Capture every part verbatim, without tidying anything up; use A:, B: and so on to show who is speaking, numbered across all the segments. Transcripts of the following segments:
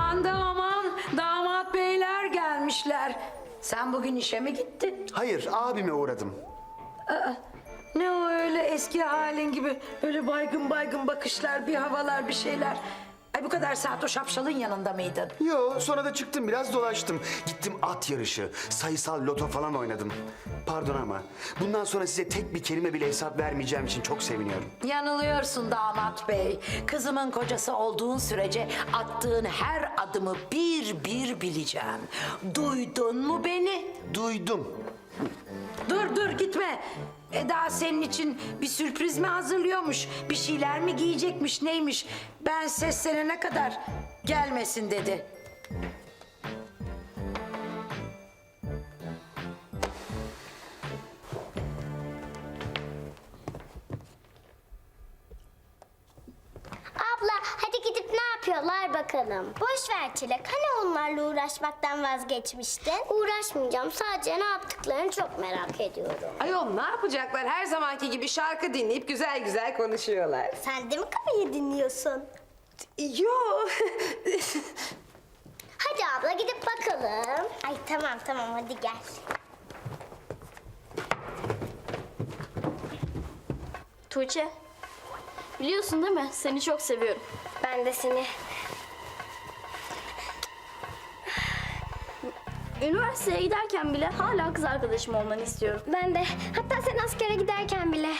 A: Aman da aman, damat beyler gelmişler. Sen bugün işe mi gittin?
B: Hayır, abime uğradım.
A: Ne o öyle eski halin gibi öyle baygın baygın bakışlar, bir havalar, bir şeyler. Ay bu kadar saat o şapşalın yanında mıydın?
B: Yo, sonra da çıktım, biraz dolaştım. Gittim at yarışı, sayısal loto falan oynadım. Pardon ama bundan sonra size tek bir kelime bile hesap vermeyeceğim için çok seviniyorum.
A: Yanılıyorsun damat bey. Kızımın kocası olduğun sürece attığın her adımı bir bir bileceğim. Duydun mu beni?
B: Duydum.
A: Dur dur gitme. Eda senin için bir sürpriz mi hazırlıyormuş? Bir şeyler mi giyecekmiş neymiş? Ben seslenene kadar gelmesin dedi.
C: Abla hadi gidip ne yapıyorlar bakalım. Boş ver Çilek. Hani onlarla uğraşmaktan vazgeçmiştin? Uğraşmayacağım. Sadece ne yaptıklarını çok merak ediyorum.
D: Ayol ne yapacaklar? Her zamanki gibi şarkı dinleyip güzel güzel konuşuyorlar.
C: Sen de mi kafayı dinliyorsun?
D: Yo.
C: Hadi abla gidip bakalım. Ay tamam tamam hadi gel.
E: Tuğçe, biliyorsun değil mi? Seni çok seviyorum.
C: Ben de seni.
E: Üniversiteye giderken bile hala kız arkadaşım olmanı istiyorum.
C: Ben de. Hatta sen askere giderken bile.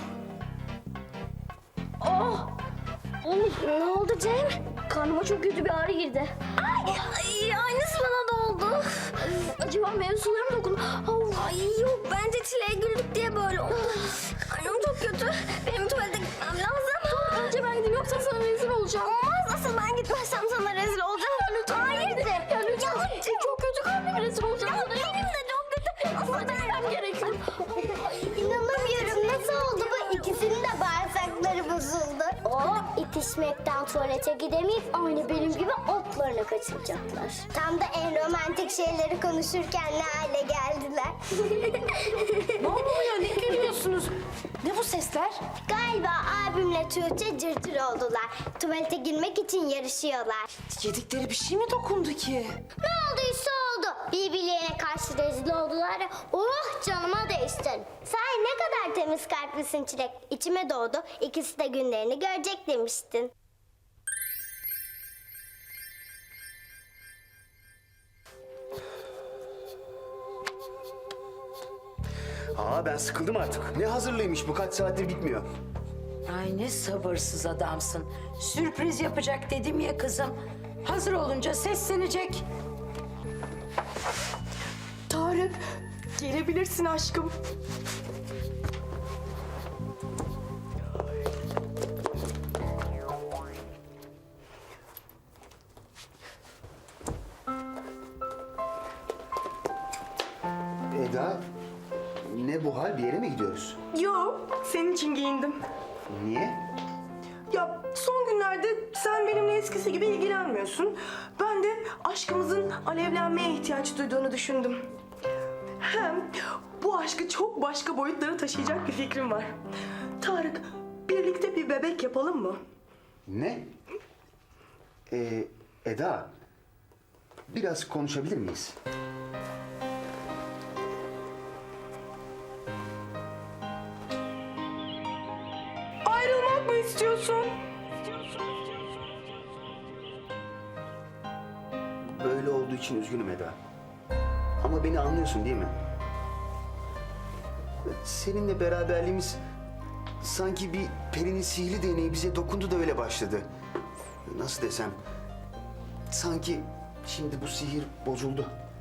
E: Oh!
C: Ne oldu Cem?
E: Karnıma çok kötü bir ağrı girdi.
C: Ay, ay aynısı bana da oldu.
E: Acaba mevzularım dokundu. Oh,
C: Ay yok bence Çile'ye güldük diye böyle oldu. Karnım çok kötü. Benim tuvalete gitmem lazım.
E: önce ben gideyim yoksa sana rezil olacağım.
C: Olmaz asıl ben gitmezsem sana rezil olacağım.
E: Lütfen.
C: Hayır de.
E: Ya lütfen. Çok kötü karnım rezil olacağım.
C: Ya benim de çok kötü.
E: Aslında gitmem gerekiyor.
C: İnanamıyorum nasıl oldu bu? İkisinin de bağırsakları bozuldu. O itişmekten tuvalete gidemeyip aynı benim gibi otlarını kaçıracaklar. Tam da en romantik şeyleri konuşurken ne hale geldiler.
A: Ne oluyor ne gülüyorsunuz? Ne bu sesler?
C: Galiba abimle Tuğçe cırtır oldular. Tuvalete girmek için yarışıyorlar.
D: Yedikleri bir şey mi dokundu ki?
C: Ne olduysa oldu. Birbirlerine karşı rezil oldular. ya, Oh canıma değiştin. Sen ne kadar temiz kalplisin Çilek. İçime doğdu. İkisi de günlerini görecek demiştin.
B: Aa, ben sıkıldım artık. Ne hazırlıymış bu, kaç saattir bitmiyor.
A: Ay ne sabırsız adamsın. Sürpriz yapacak dedim ya kızım. Hazır olunca seslenecek.
F: Tarık, gelebilirsin aşkım.
B: Eda, ne bu hal, bir yere mi gidiyoruz?
F: Yo, senin için giyindim.
B: Niye?
F: Ya son günlerde sen benimle eskisi gibi ilgilenmiyorsun. Ben de aşkımızın alevlenmeye ihtiyaç duyduğunu düşündüm. Hem bu aşkı çok başka boyutlara taşıyacak bir fikrim var. Tarık, birlikte bir bebek yapalım mı?
B: Ne? Ee, Eda, biraz konuşabilir miyiz?
F: Ayrılmak mı istiyorsun?
B: Böyle olduğu için üzgünüm Eda. Ama beni anlıyorsun değil mi? Seninle beraberliğimiz sanki bir perinin sihirli değneği bize dokundu da öyle başladı. Nasıl desem, sanki şimdi bu sihir bozuldu.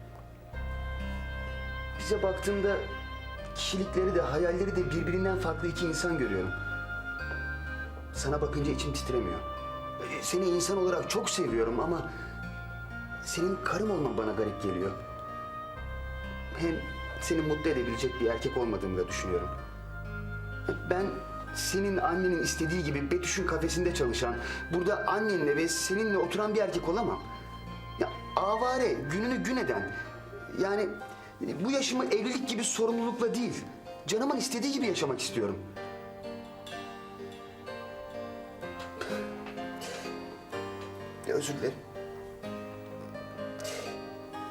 B: Bize baktığımda kişilikleri de hayalleri de birbirinden farklı iki insan görüyorum. Sana bakınca içim titremiyor. Seni insan olarak çok seviyorum ama senin karım olman bana garip geliyor. Hem seni mutlu edebilecek bir erkek olmadığımı da düşünüyorum. Ben senin annenin istediği gibi Betüş'ün kafesinde çalışan, burada annenle ve seninle oturan bir erkek olamam. Ya avare, gününü gün eden, yani bu yaşımı evlilik gibi sorumlulukla değil, canımın istediği gibi yaşamak istiyorum. Özür dilerim.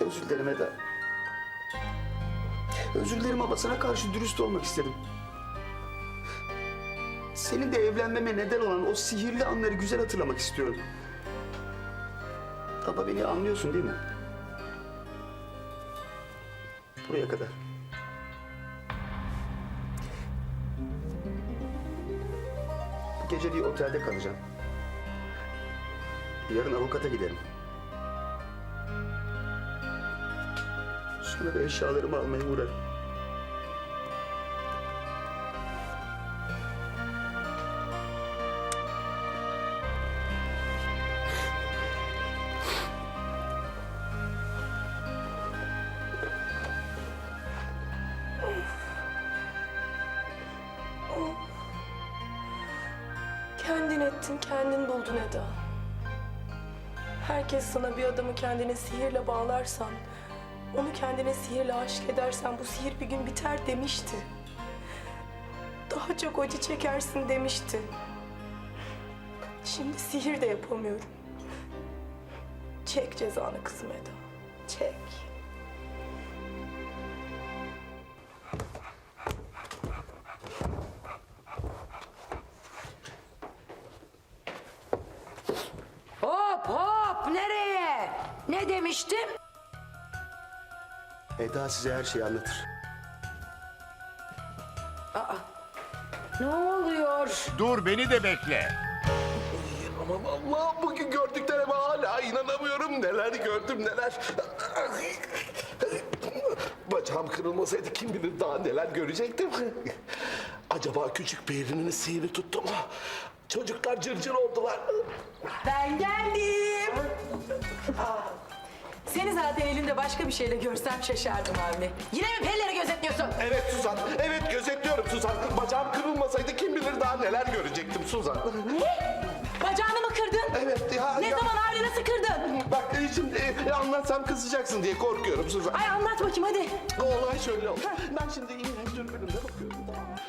B: Özür dilerim Eda. Özür dilerim ama sana karşı dürüst olmak istedim. Senin de evlenmeme neden olan o sihirli anları güzel hatırlamak istiyorum. Ama beni anlıyorsun değil mi? Buraya kadar. Bu gece bir otelde kalacağım. Yarın avukata giderim. Sonra da eşyalarımı almaya uğrarım.
F: Kendin ettin, kendin buldun Eda. Herkes sana bir adamı kendine sihirle bağlarsan, onu kendine sihirle aşık edersen bu sihir bir gün biter demişti. Daha çok acı çekersin demişti. Şimdi sihir de yapamıyorum. Çek cezanı kızım Eda, çek.
A: Hop hop nereye? Ne demiştim?
B: Eda size her şeyi anlatır.
A: Ne oluyor?
G: Dur beni de bekle.
H: Aman Allah, bugün gördüklerime hala inanamıyorum. Neler gördüm neler. Bacağım kırılmasaydı kim bilir daha neler görecektim. Acaba küçük Peri'nin sihri tuttu mu? Çocuklar cırcır oldular.
F: Ben geldim. Seni zaten elinde başka bir şeyle görsem şaşardım Avni. Yine mi perileri gözetliyorsun?
H: Evet Suzan, evet gözetliyorum Suzan. Bacağım kırılmasaydı kim bilir daha neler görecektim Suzan.
F: Ne? Bacağını mı kırdın?
H: Evet ya.
F: Ne
H: ya.
F: zaman Avni, nasıl kırdın?
H: Bak e, şimdi e, anlatsam kızacaksın diye korkuyorum Suzan.
F: Ay anlat bakayım hadi.
H: Olay şöyle oldu. Ben şimdi yine dürbünümde bakıyorum. Tamam mı?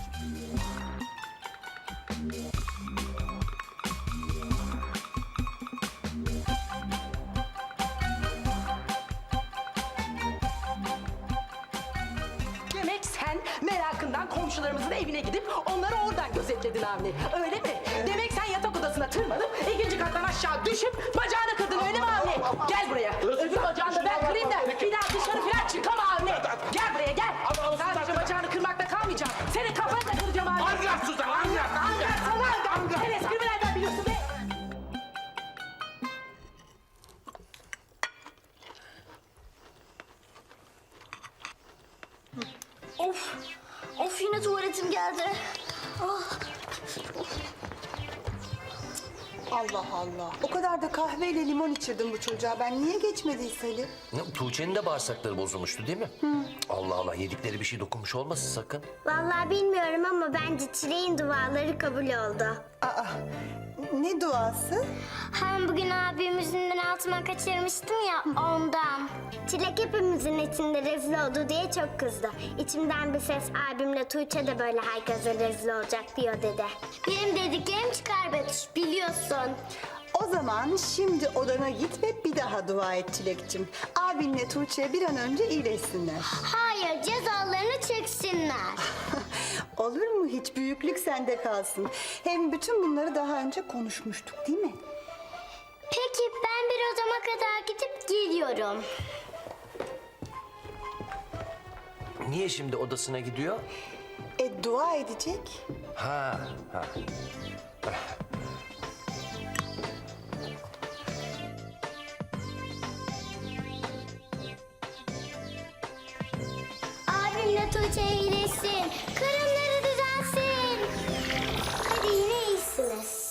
F: Demek sen merakından komşularımızın evine gidip onları oradan gözetledin Avni. Öyle mi? Demek sen yatak odasına tırmanıp ikinci kattan aşağı düşüp bacağını kırdın, öyle mi Avni? Gel buraya. Öbür bacağını da ben kırayım da bir daha dışarı falan çıkama Avni. Gel buraya gel. Sadece bacağını kırmakta kalmayacağım. Senin kafanı da kıracağım Avni.
H: Anlat Suzan, anlat.
F: Anlat sana anlat. Sen esprimi nereden biliyorsun be?
E: Of. Of yine tuvaletim geldi. Ah.
I: Allah Allah. O kadar da kahveyle limon içirdim bu çocuğa. Ben niye geçmediyse Ali?
J: Ya, Tuğçe'nin de bağırsakları bozulmuştu değil mi? Allah Allah, yedikleri bir şey dokunmuş olmasın sakın.
C: Vallahi bilmiyorum ama bence Çilek'in duaları kabul oldu.
I: Aa, ne duası?
C: Hem bugün abim yüzünden altıma kaçırmıştım ya ondan. Çilek hepimizin içinde rezil oldu diye çok kızdı. İçimden bir ses abimle Tuğçe de böyle herkese rezil olacak diyor dedi. Benim dediklerim çıkar Betüş, biliyorsun.
I: O zaman şimdi odana git ve bir daha dua et Çilek'cim. Abinle Tuğçe bir an önce iyileşsinler.
C: Hayır, cezalarını çeksinler.
I: Olur mu hiç? Büyüklük sende kalsın. Hem bütün bunları daha önce konuşmuştuk değil mi?
C: Peki ben bir odama kadar gidip geliyorum.
J: Niye şimdi odasına gidiyor?
I: E dua edecek.
J: Ha, ha.
C: Abimle Tuğçe iyileşsin. Karınları düzelsin. Hadi yine iyisiniz.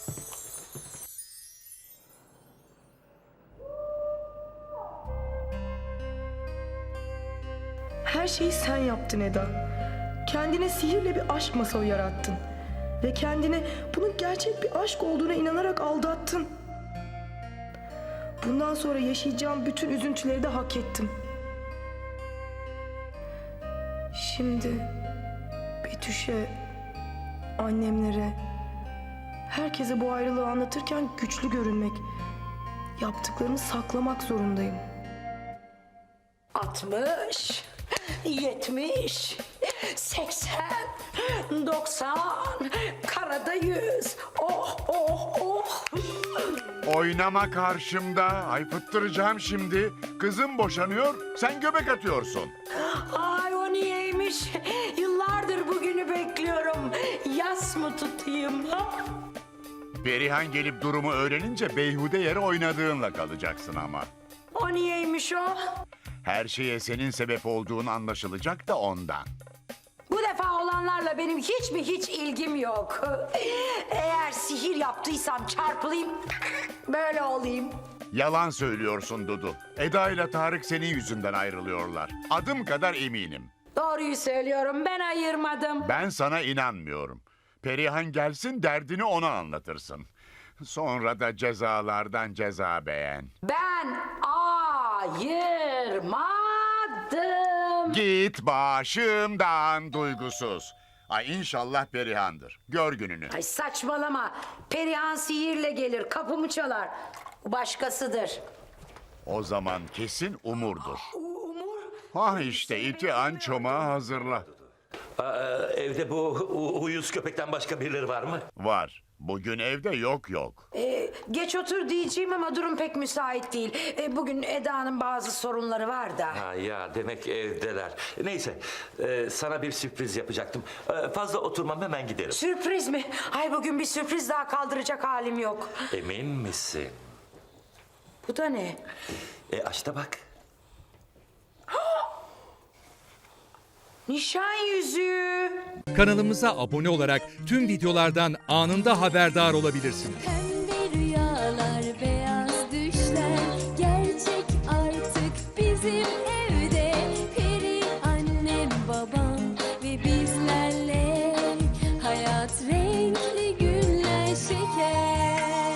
F: Her şeyi sen yaptın Eda. Kendine sihirle bir aşk masalı yarattın. Ve kendine bunun gerçek bir aşk olduğuna inanarak aldattın. Bundan sonra yaşayacağım bütün üzüntüleri de hak ettim. Şimdi Betüş'e, annemlere, herkese bu ayrılığı anlatırken güçlü görünmek, yaptıklarımı saklamak zorundayım.
A: altmış, yetmiş, seksen, doksan, karada yüz. Oh oh oh.
G: Oynama karşımda. Ay fıttıracağım şimdi. Kızım boşanıyor, sen göbek atıyorsun.
A: Ay o niyeymiş? Yıllardır bugünü bekliyorum. Yas mı tutayım? Ha?
G: Perihan gelip durumu öğrenince beyhude yere oynadığınla kalacaksın ama.
A: O niyeymiş o?
G: Her şeye senin sebep olduğun anlaşılacak da ondan.
A: Bu defa olanlarla benim hiç mi hiç ilgim yok. Eğer sihir yaptıysam çarpılayım, böyle olayım.
G: Yalan söylüyorsun Dudu. Eda ile Tarık senin yüzünden ayrılıyorlar. Adım kadar eminim.
A: Doğruyu söylüyorum, ben ayırmadım.
G: Ben sana inanmıyorum. Perihan gelsin derdini ona anlatırsın. Sonra da cezalardan ceza beğen.
A: Ben ayırmadım.
G: Git başımdan duygusuz. Ay inşallah Perihan'dır. Gör gününü.
A: Ay saçmalama. Perihan sihirle gelir, kapımı çalar. Bu başkasıdır.
G: O zaman kesin Umur'dur.
A: Umur.
G: Ha işte iti an çomağı hazırla.
J: Aa, evde bu u- uyuz köpekten başka birileri var mı?
G: Var. Bugün evde yok yok.
A: Ee, geç otur diyeceğim ama durum pek müsait değil. Ee, bugün Eda'nın bazı sorunları var da.
J: Ha ya demek evdeler. Neyse e, sana bir sürpriz yapacaktım. E, fazla oturmam hemen giderim.
A: Sürpriz mi? Ay bugün bir sürpriz daha kaldıracak halim yok.
J: Emin misin?
A: Bu da ne?
J: E aç da bak.
A: Nişan yüzüğü.
K: Kanalımıza abone olarak tüm videolardan anında haberdar olabilirsiniz.